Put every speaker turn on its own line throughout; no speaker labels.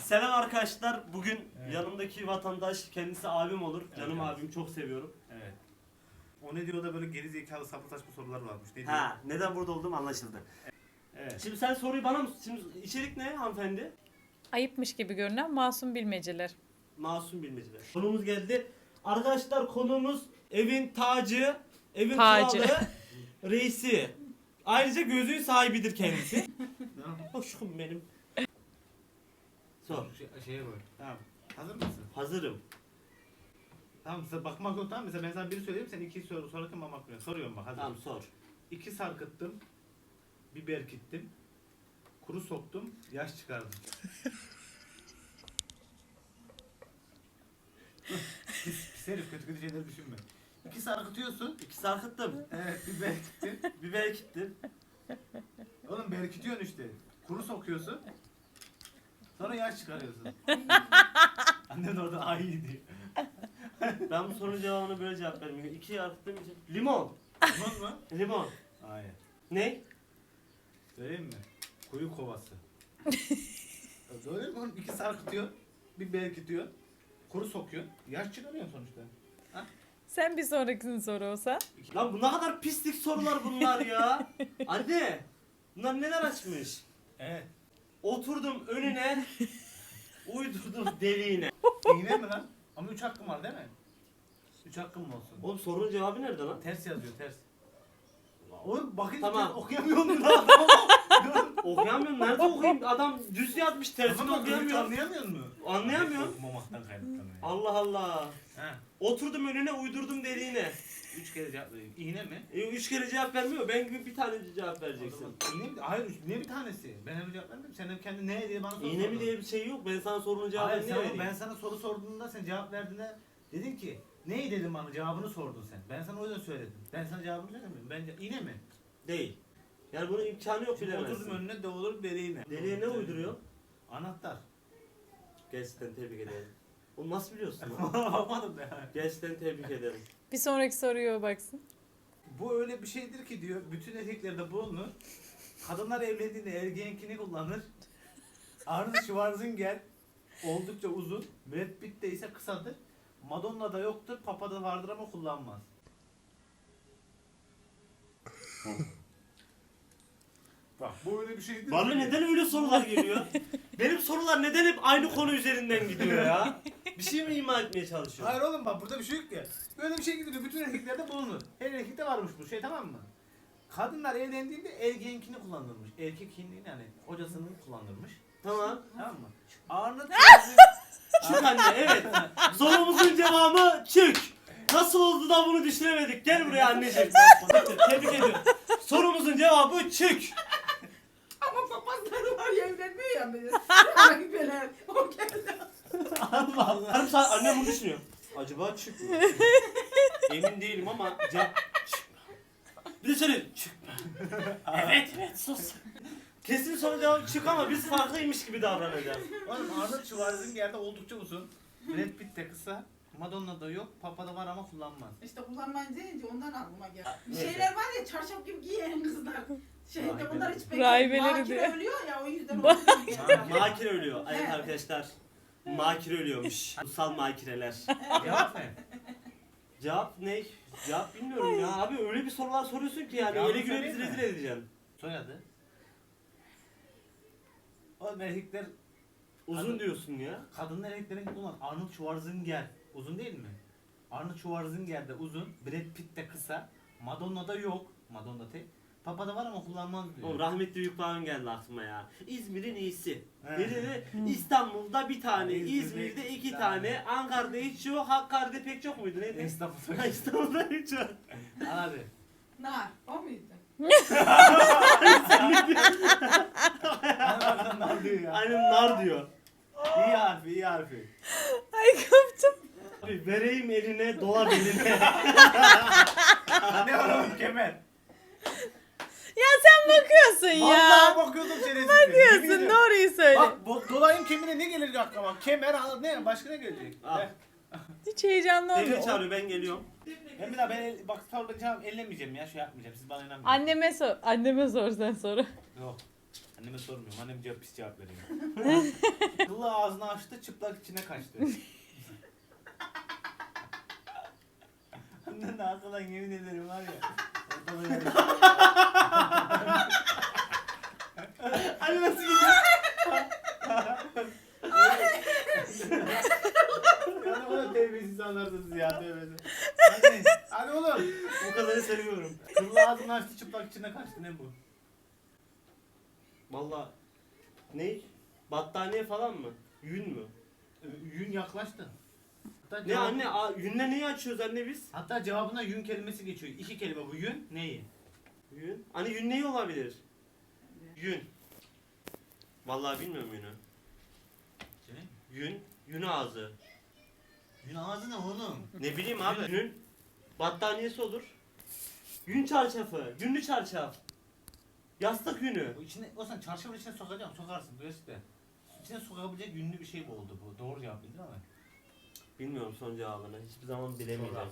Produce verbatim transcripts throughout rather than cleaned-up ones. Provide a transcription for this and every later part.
Selam arkadaşlar. Bugün
Evet.
yanımdaki vatandaş kendisi abim olur. Canım
evet.
abim, çok seviyorum.
Evet. O ne diyor da böyle geri zekalı sapı saçma sorular varmış. Ne diyor?
Ha, neden burada olduğum anlaşıldı.
Evet.
Şimdi sen soruyu bana mı? Şimdi içerik ne hanımefendi?
Ayıpmış gibi görünen masum bilmeceler.
Masum bilmeceler. Konumuz geldi. Arkadaşlar konumuz evin tacı, evin
Tacı.
kralı, reisi. Ayrıca gözün sahibidir kendisi.
Tamam.
Hoşum benim. Sor.
Şey, şeye koy. Tamam. Hazır mısın?
Hazırım.
Tamam. Sen bakmak yok, tamam. Mesela ben sana biri söyleyeyim, sen iki soru sorarken ben bakmıyorum. Soruyorum bak, hazır.
Tamam sor.
İki sarkıttım. Bir berkittim. Kuru soktum. Yaş çıkardım. pis, pis herif, kötü kötü şeyler düşünme. İki sarkıtıyorsun.
İki sarkıttım.
Evet, bir berkittin.
Biber gittim.
Oğlum berkitiyorsun işte. Kuru sokuyorsun. Sonra yaş çıkarıyorsun. Annen orada ay diyor.
Ben bu sorunun cevabını böyle cevap vermiyorum. İki sarkıttım. iki- Limon.
Limon mu?
Limon.
Hayır.
Ne?
Söyleyeyim mi? Kuyu kovası. Söyleyeyim mi oğlum? İki sarkıtıyor. Bir berkitiyor. Kuru sokuyor. Yaş çıkarıyorsun sonuçta.
Sen bir sonrakini sor olsa.
Lan bu ne kadar pislik sorular bunlar ya. Anne. Bunlar neler açmış?
Evet.
Oturdum önüne. Uydurdum deliğine.
İğne mi lan? Ama üç hakkım var değil mi? Üç hakkım mı olsun?
Oğlum sorunun cevabı nerede lan?
Ters yazıyor, ters. Oğlum bakın
Tamam.
okuyamıyor musun lan?
Okuyamıyorum. Nerede okuyayım? Adam düz yazmış, tersini
Ama
okuyamıyor.
anlayamıyor musun?
Anlayamıyorum.
Okumamaktan kaynaklanıyor.
Allah Allah.
Ha.
Oturdum önüne, uydurdum deliğine.
Üç kere cevap vereyim. İğne mi?
E, üç kere cevap vermiyor. Ben gibi bir tane cevap
O
vereceksin.
zaman İğne mi? Hayır, ne bir tanesi? Ben öyle cevap vermedim. Sen hep kendi ne diye bana soru
İğne mi
sordun.
diye bir şey yok. Ben sana sorunun cevabını
Hayır,
niye
sen,
vereyim?
ben sana soru sorduğunda sen cevap verdiğinde dedin ki neyi dedim bana, cevabını sordun sen. Ben sana o yüzden söyledim. Ben sana cevabını söylemiyorum. Bence iğne mi?
Değil. Yani bunun imkanı yok,
Şimdi
bilemezsin.
oturdum önüne de olur deliğine.
Deliğe ne uyduruyor?
Anahtar.
Gerçekten tebrik ederim. Onu nasıl biliyorsun lan?
Bakmadım da.
Gerçekten tebrik ederim.
Bir sonraki soruya baksın.
Bu öyle bir şeydir ki diyor, bütün erkeklerde bulunur. Kadınlar evlendiğinde ergenkini kullanır. Arnold Schwarzenegger oldukça uzun. Brad Pitt de ise kısadır. Madonna'da yoktur, Papa'da vardır ama kullanmaz. Bak bu öyle bir şeydir.
Bana
ki-
neden öyle sorular geliyor? Benim sorular neden hep aynı konu üzerinden gidiyor ya? Bir şey mi ima etmeye çalışıyorsun?
Hayır oğlum, bak burada bir şey yok ya. Böyle bir şey gidiyor, bütün erkeklerde bulunur. Her erkekte varmış bu şey, tamam mı? Kadınlar evlendiğinde ergenkini kullanırmış. Erkek kimliğini, yani kocasının kullanırmış.
Tamam.
Tamam mı? Arnold Schwarzenegger...
Çık anne, evet. Sorumuzun cevabı çık. Nasıl oldu da bunu düşünemedik? Gel buraya anneciğim. Tebrik ediyorum. Sorumuzun cevabı çık.
Ama papazları var ya, evlenmiyor ya böyle. Ay böyle. O geldi.
Allah Allah. Yarım saat annem bunu düşünüyor. Acaba çık mı? Emin değilim ama cevap çık mı? Bir de söyle çık mı? Evet evet sus. Kesin soru cevabı çık ama biz farklıymış gibi davranacağız.
Oğlum Arnold Schwarzenegger'de oldukça uzun. Brad Pitt de kısa. Madonna'da yok. Papa'da var ama kullanmaz.
İşte kullanmayın deyince ondan aklıma geldi. Bir
Neyse.
şeyler var ya, çarşaf gibi giyen kızlar. Şeyde
Rahibeleri.
bunlar hiç
Rahibeleri
Makine
diyor.
ölüyor ya, o yüzden
Bak.
onu
Makire ölüyor. Evet arkadaşlar. Makire ölüyormuş. Kutsal makireler.
Cevap ne?
Cevap ne? Cevap bilmiyorum ya. Abi öyle bir sorular soruyorsun ki yani.
Cevabı
Ele güne bizi
söyleyeyim mi?
rezil edeceksin.
Soyadı. Oğlum erkekler,
Uzun diyorsun ya.
kadınlar erkeklerin kullanmaz. Arnold Schwarzenegger uzun değil mi? Arnold Schwarzenegger de uzun. Brad Pitt de kısa. Madonna'da yok. Madonna tek. Papa'da var ama kullanmaz diyor.
Oğlum rahmetli Büyük Bağım geldi aklıma ya. İzmir'in iyisi.
He.
Biri de İstanbul'da bir tane,
İzmir'de
İzmir'de
iki
iki
tane.
tane, Ankara'da hiç yok, Hakkari'de pek çok muydu neydi?
Estağfurullah.
İstanbul'da hiç yok.
Hadi.
Nar, o muydu?
Hadi bakalım ne diyor ya.
Aynen nar diyor.
İyi harfi, iyi harfi.
Ay koptum.
Abi vereyim eline, dola beline.
Ne var oğlum, kemer.
Ya sen bakıyorsun ya.
Vallahi bakıyordum şerefsiz.
Bakıyorsun, doğruyu söyle.
Bak bu dolayım kemine ne gelir aklıma? Kemer, al- ne başka ne gelecek?
Al.
Ver.
Hiç heyecanlı
Devlet
olmuyor.
çağırıyor, ben geliyorum.
Ben bir daha ben el, bak soracağım, ellemeyeceğim ya, şey yapmayacağım. Siz bana inanmayın.
Anneme sor. Anneme sor sen soru.
Yok. Anneme sormuyorum. Annem cevap pis cevap veriyor. Kıllı ağzını açtı, çıplak içine kaçtı. Annen arkadan yemin ederim var ya. Ortalığı yarıştı. Anne nasıl gidiyor? Ya ne kadar terbiyesiz anlarsınız ya tövbesi. Anne, hadi oğlum.
O kadarı seviyorum.
Kıllı ağzını açtı, çıplak içine kaçtı. Ne bu?
Valla ne? Battaniye falan mı? Yün mü?
Yün yaklaştı. Hatta
Ne
cevap-
anne? A, yünle neyi açıyoruz anne biz?
Hatta cevabına yün kelimesi geçiyor. İki kelime bu yün neyi?
Yün. Hani yün neyi olabilir? Yün. Vallahi bilmiyorum yünü. Yün. Yün ağzı.
Yün ağzı ne oğlum?
Ne bileyim abi. Yünün battaniyesi olur. Yün çarşafı. Yünlü çarşaf. Yastık yünü.
Bu içine, o sen çarşafın içine sokacağım, sokarsın gerçekten. İçine sokabilecek yünlü bir şey mi oldu bu? Doğru cevap bildin ama.
Bilmiyorum son cevabını. Hiçbir zaman bilemeyeceğim.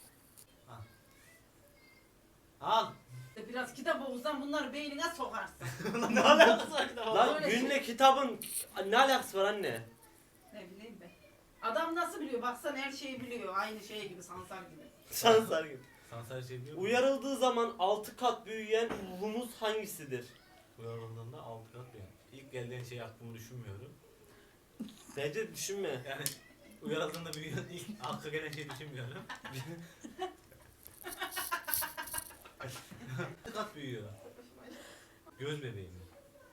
Al.
Biraz kitap okursan bunları beynine sokarsın.
Ne alakası var kitaba?
Lan
Öyle
günle
şey.
kitabın ne alakası var anne?
Ne bileyim ben. Adam nasıl biliyor? Baksana her şeyi biliyor. Aynı şey gibi, Sansar gibi.
Şanslar gibi.
Sansar şey diyor mu?
Uyarıldığı zaman altı kat büyüyen ruhumuz hangisidir?
Uyarıldığında altı kat yani. İlk geldiğin şey aklımı düşünmüyorum.
Bence düşünme.
Yani uyarıldığında büyüyen ilk akla gelen şey düşünmüyorum. Altı kat büyüyor. Göz bebeğim.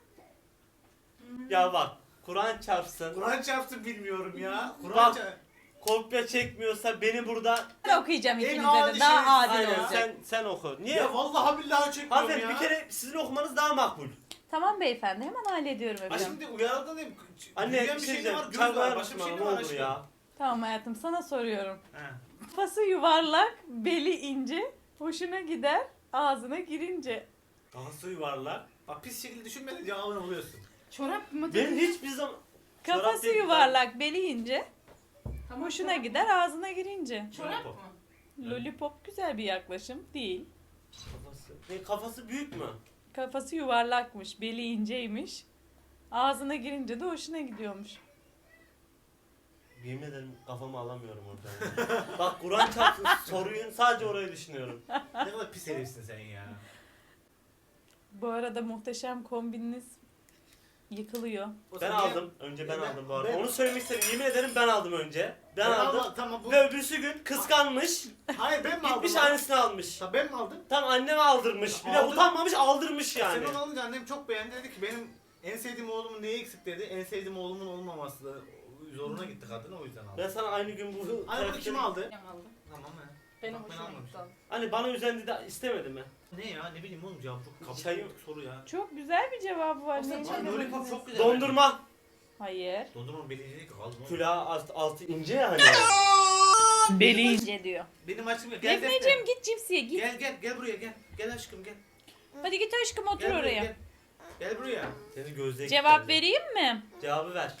Ya bak Kur'an çarpsın.
Kur'an çarptı bilmiyorum ya. Kur'an
Bak.
çarptı.
Kopya çekmiyorsa beni burada
Ben okuyacağım
En
ikinize
adi
de. Daha
şey-
adil
aynen
olacak.
sen sen oku. Niye?
Ya vallahi billahi çekmiyorum
Hanımefendi
ya.
bir kere sizin okumanız daha makbul.
Tamam beyefendi hemen hallediyorum
Ha
efendim.
şimdi uyarıldığında değil mi?
Anne
Büyüyen
bir
bir
şey
şey de var,
diyeceğim.
göz var.
Çarpar
Başka bir
mısın
şey
bana
de
ne
var
olur
aşkım.
ya?
Tamam hayatım sana soruyorum.
He.
Kafası yuvarlak, beli ince, hoşuna gider, ağzına girince.
Kafası yuvarlak. Bak pis şekilde düşünmeden cevabını buluyorsun.
Çorap mı?
Ben hiçbir zaman Çorap
Kafası
değil,
yuvarlak, beli ince,
Tamam,
hoşuna
çorap.
gider, ağzına girince.
Çorap mı?
Lollipop güzel bir yaklaşım değil.
kafası. Ne kafası büyük mü?
Kafası yuvarlakmış, beli inceymiş. Ağzına girince de hoşuna gidiyormuş.
Yemin ederim kafamı alamıyorum orada. Bak Kur'an çarpsın soruyu sadece orayı düşünüyorum.
Ne kadar pis herifsin sen ya.
Bu arada muhteşem kombininiz yıkılıyor.
O
Ben
sen
aldım. Önce ben,
Ben-
aldım bu arada.
ben-
Onu söylemek istedim. Yemin ederim ben aldım önce. Ben,
Ben
aldım.
aldım, tamam bu.
Ve öbürsü gün kıskanmış.
Hayır ben mi aldım?
Gitmiş
lan?
annesine almış.
Tabii ben mi aldım?
Tam anneme aldırmış. Bir de
Aldım.
utanmamış aldırmış yani.
Sen onu alınca annem çok beğendi, dedi ki benim en sevdiğim oğlumun neyi eksik dedi. En sevdiğim oğlumun olmaması da zoruna gitti kadın, o yüzden aldım.
Ben sana aynı gün bu...
Anne bunu kim aldı?
Benim aldım.
Tamam he.
Benim
Bak, ben
hoşuma
almamışım.
gitti. aldım.
Hani bana üzendi de istemedi mi?
Ne ya, ne bileyim oğlum, cevap çok kabul
Çayım-
soru ya.
Çok güzel bir cevabı var.
O sen
Ne
çay
Lan
çabuk-
lollipop çok güzel.
Dondurma.
Hayır.
Dondurma belirli değil ki, kaldım oğlum.
Külah alt, altı ince yani.
Beli ince diyor.
Benim açım gel.
Defneciğim git cipsiye git.
Gel gel gel buraya gel. Gel aşkım gel.
Hadi git aşkım otur
Gel buraya,
oraya.
Gel. Gel buraya.
Seni gözle
Cevap vereyim mi?
Cevabı ver.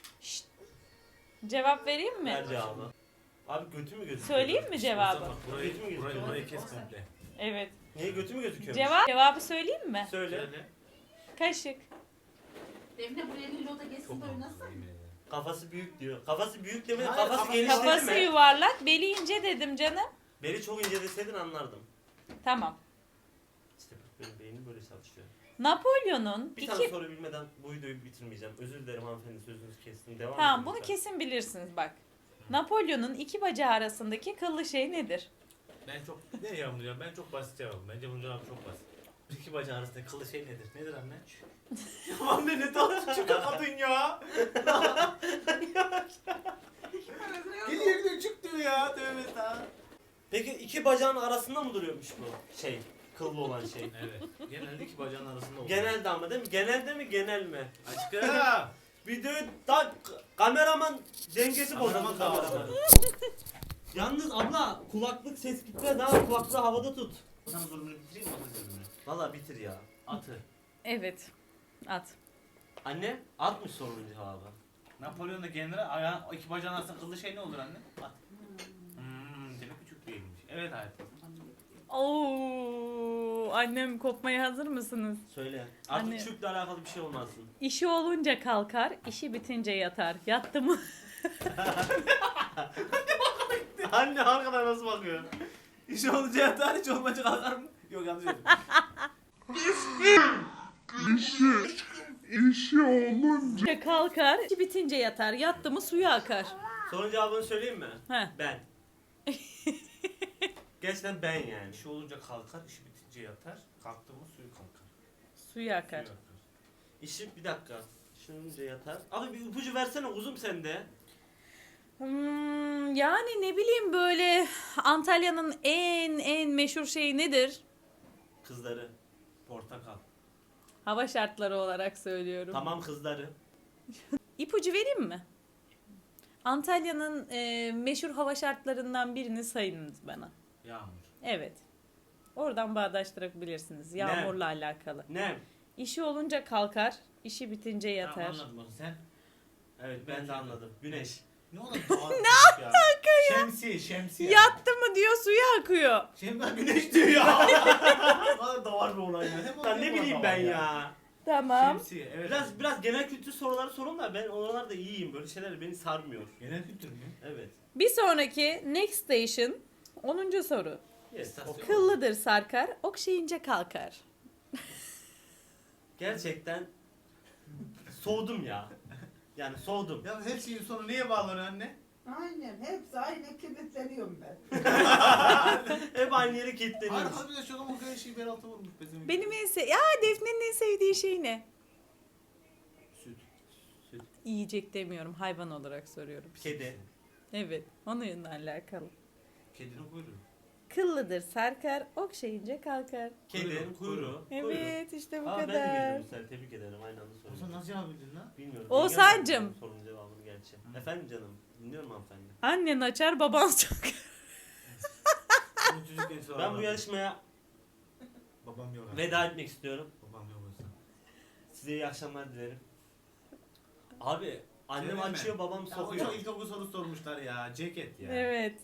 Cevap vereyim mi?
Ver cevabı. Abi götü mü gözüküyor?
Söyleyeyim mi cevabı?
Bak, burayı,
Götü mü
burayı,
gözüküyor?
burayı kes komple.
Evet.
Niye götü mü gözüküyor?
Cevap cevabı söyleyeyim mi?
Söyle.
Söyle.
Kaşık.
Defne buraya Lilo da geçsin
Çok
de oynasın.
mantıklı, yemin ederim.
Kafası büyük diyor. Kafası büyük demedi.
Hayır,
Kafası
kafası-
geniş dedi
Kafası
mi?
yuvarlak, beli ince dedim canım.
Beni çok ince deseydin anlardım.
Tamam.
İşte bak benim beynim böyle çalışıyor.
Napolyon'un
Bir tane
iki...
soru bilmeden bu videoyu bitirmeyeceğim. Özür dilerim hanımefendi, sözünüzü kestim. Devam
Tamam
edin
bunu
lütfen.
kesin bilirsiniz bak. Napolyon'un iki bacağı arasındaki kıllı şey nedir?
Ben çok ne yanılacağım? Ben çok basit cevabım. Bence bunun cevabı çok basit. İki bacağı arasında kılı şey nedir? Nedir anne? Anne ne tatlı çıktı kadın ya. Geliyor gidiyor çık diyor ya. Tövbe estağfurullah.
Peki iki bacağın arasında mı duruyormuş bu şey? Kıllı olan şey.
Evet. Genelde iki bacağın arasında olur.
Genelde ama değil mi? Genelde mi genel mi?
Aşkım.
Videoyu da kameraman dengesi bozuldu
Kameraman
kameraman.
dağıldı.
Yalnız abla kulaklık ses gitme daha kulaklığı havada tut.
Sana sorunu bitireyim mi? Atın sözünü.
Valla bitir ya.
Atı.
Evet. At.
Anne atmış sorunun cevabı.
Napolyon'da general ayağın iki bacağın arasında kıllı şey ne olur anne? At. Hmm, demek ki çok değilmiş. Evet hayatım.
Oo, annem kopmaya hazır mısınız?
Söyle. Artık
Anne.
çöple alakalı bir şey olmasın.
İşi olunca kalkar, işi bitince yatar. Yattı mı?
Anne arkadan nasıl bakıyor?
İş olunca yatar, hiç olmayınca kalkar mı? Yok yanlış söyledim.
İşi kalkar, işi bitince yatar. Yattı mı suya akar.
Sorunun cevabını söyleyeyim mi?
Heh.
Ben. Gerçekten ben yani.
İşi olunca kalkar, işi bitince yatar. Kalktı mı suyu kalkar.
Suya akar.
Suyu akar.
İşim bir dakika. Düşününce yatar. Abi bir ipucu versene uzun sende.
Hmm, yani ne bileyim böyle Antalya'nın en en meşhur şeyi nedir?
Kızları.
Portakal.
Hava şartları olarak söylüyorum.
Tamam kızları.
İpucu vereyim mi? Antalya'nın e, meşhur hava şartlarından birini sayınız bana.
Yağmur.
Evet. Oradan bağdaştırabilirsiniz. Yağmurla alakalı.
Ne?
İşi olunca kalkar, işi bitince yatar.
Tamam, anladım onu sen.
Evet ben de anladım. Güneş.
Ne oldu? Ne alaka ya? Şemsiye, şemsiye.
Yattı mı diyor suya akıyor.
Şemsiye güneş diyor ya. Bana da var bir olay ya. Hep
Lan ne
oluyor
bileyim
bana
ben
ya.
ya.
Tamam.
Şemsiye, evet.
Biraz biraz genel kültür soruları sorun da ben oralarda iyiyim. Böyle şeyler beni sarmıyor.
Genel kültür mü?
Evet.
Bir sonraki next station onuncu soru.
Yes.
İstasyon.
Kıllıdır sarkar, okşayınca kalkar.
Gerçekten soğudum ya. Yani soğudum.
Ya her şeyin sonu neye bağlanıyor anne?
Aynen hepsi aynı kilitleniyorum ben.
Hep aynı yere kilitleniyoruz.
Harika bir de şu adam o kadar şeyi bel altı vurmuş bizim.
Benim en se ya Defne'nin en sevdiği şey ne?
Süt.
Süt.
Yiyecek demiyorum, hayvan olarak soruyorum.
Kedi.
Evet, onunla alakalı.
Kedinin kuyruğu.
Kıllıdır sarkar, okşayınca kalkar.
Kedinin
Kuyruğu.
kuyruğu.
Evet, işte bu
Aa, ben de
kadar.
bildim bu sefer. Tebrik ederim. Aynı anda
O sen
soruyorum.
nasıl cevap bildin lan?
Bilmiyorum.
Oğuzhan'cım.
Bilmiyorum Sorunun cevabını gerçi. Efendim canım. Dinliyorum hanımefendi.
Annen açar, baban çakar.
Benim çocukken sonra
Ben bu
var.
yarışmaya
Babam yok. abi.
veda etmek istiyorum.
Babam yok olsa.
Size iyi akşamlar dilerim. Abi annem
Söyleme.
açıyor babam
Ya o
sokuyor.
çok ilkokul sorusu sormuşlar ya. Ceket ya.
Evet.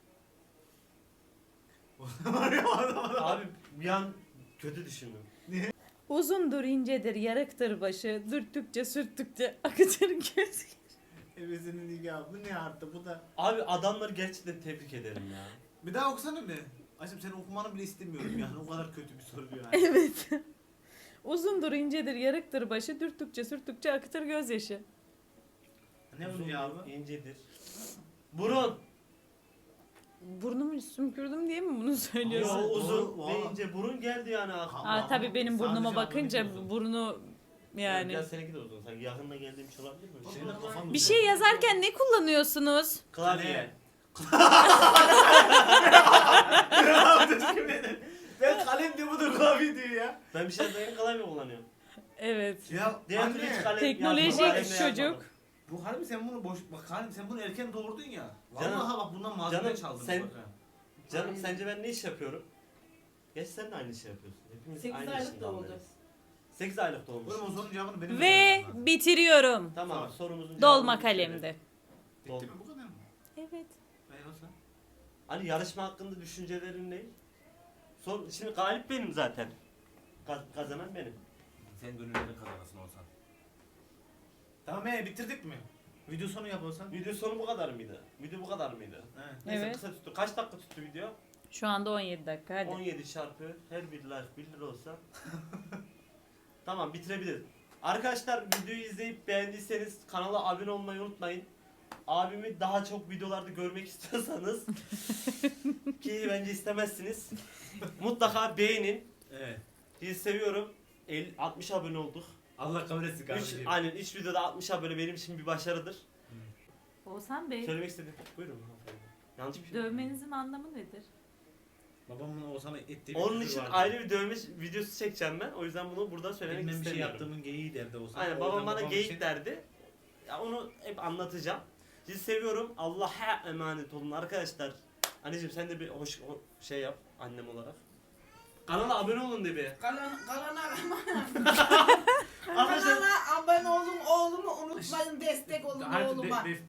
Var ya, adam adam.
Abi bir an kötü düşündüm.
Uzundur incedir, yarıktır başı, dürttükçe sürttükçe akıtır göz.
Ebesinin nikahı. Bu ne arttı bu da.
Abi adamları gerçekten tebrik ederim ya.
Bir daha okusana bir. Aşkım seni okumanı bile istemiyorum yani. O kadar kötü bir soru yani.
Evet. Uzundur incedir, yarıktır başı, dürttükçe sürttükçe akıtır gözyaşı.
Ne bunun
Uzun,
cevabı?
İncedir. Burun.
Burnumu sümkürdüm diye mi bunu
Yo,
söylüyorsun?
Doğru,
uzun
doğru.
ve ince burun geldi yani aklıma.
Aa, tabii benim
Sadece
burnuma
anlamı
bakınca
uzun.
burnu yani.
Biraz seninki de uzun. Sanki yakınına geldiğim için olabilir mi?
Senin de kafan
Bir şey yazarken ne kullanıyorsunuz?
Klavye.
Ben kalem diye bu da klavye diyor ya.
Ben bir şey yazarken klavye kullanıyorum.
Evet.
Ya
Diğer türlü hiç
anne.
kalem
Teknolojik
yazmadım, kalemle
çocuk.
yazmadım.
Bu harbi sen bunu boş... Bak harbi sen bunu erken doğurdun ya.
Canım-
Vallahi bak bundan malzeme
canım,
çaldın.
sen-
bak ha.
Canım
Aynen.
sence ben ne iş yapıyorum? Geç sen de aynı iş yapıyorsun. Hepimiz
Sekiz
aynı
aylık
işin
da oldu.
damlarıyız. sekiz aylık da olmuş.
Oğlum o sorunun cevabını benim
Ve
vermem lazım.
bitiriyorum.
Tamam
Tamam.
sorumuzun
Dolma
cevabını bitirelim.
kalemde.
Bitti mi bu kadar mı?
Evet.
Ben olsa.
Hani yarışma hakkında düşüncelerin ne? Sor, şimdi galip benim zaten. Kaz- kazanan benim.
Sen gönüllerin kazanasın olsan. Tamam ee bitirdik mi? Video sonu yap olsan.
Video sonu bu kadar mıydı? Video bu kadar mıydı?
He.
Neyse
Evet.
kısa tuttu. Kaç dakika tuttu video?
Şu anda on yedi dakika hadi.
on yedi çarpı her bir like bir lira olsa. Tamam bitirebiliriz. Arkadaşlar videoyu izleyip beğendiyseniz kanala abone olmayı unutmayın. Abimi daha çok videolarda görmek istiyorsanız ki bence istemezsiniz. Mutlaka beğenin.
Evet.
Sizi seviyorum. elli altmış abone olduk.
Allah kabul etsin
Üç,
kardeşim.
aynen üç videoda altmış abone benim için bir başarıdır.
Oğuzhan Bey,
Söylemek istedim. Buyurun. hanımefendi. Yanlış bir şey mi?
dövmenizin anlamı nedir?
Babamın o sana ettiği
Onun
küfür
için
vardı.
ayrı bir dövme videosu çekeceğim ben. O yüzden bunu burada söylemek
Benim bir şey
istemiyorum.
yaptığımın geyiği derdi o sana.
Aynen
O
babam
yüzden
bana
babam
geyik
için-
derdi. Ya onu hep anlatacağım. Sizi seviyorum. Allah'a emanet olun arkadaşlar. Anneciğim sen de bir hoş o- şey yap annem olarak. Kanala abone olun de bir.
Kalan, kalana
Arkadaşlar
kanala abone olun oğlumu unutmayın destek olun
Artık
oğluma.
de- de-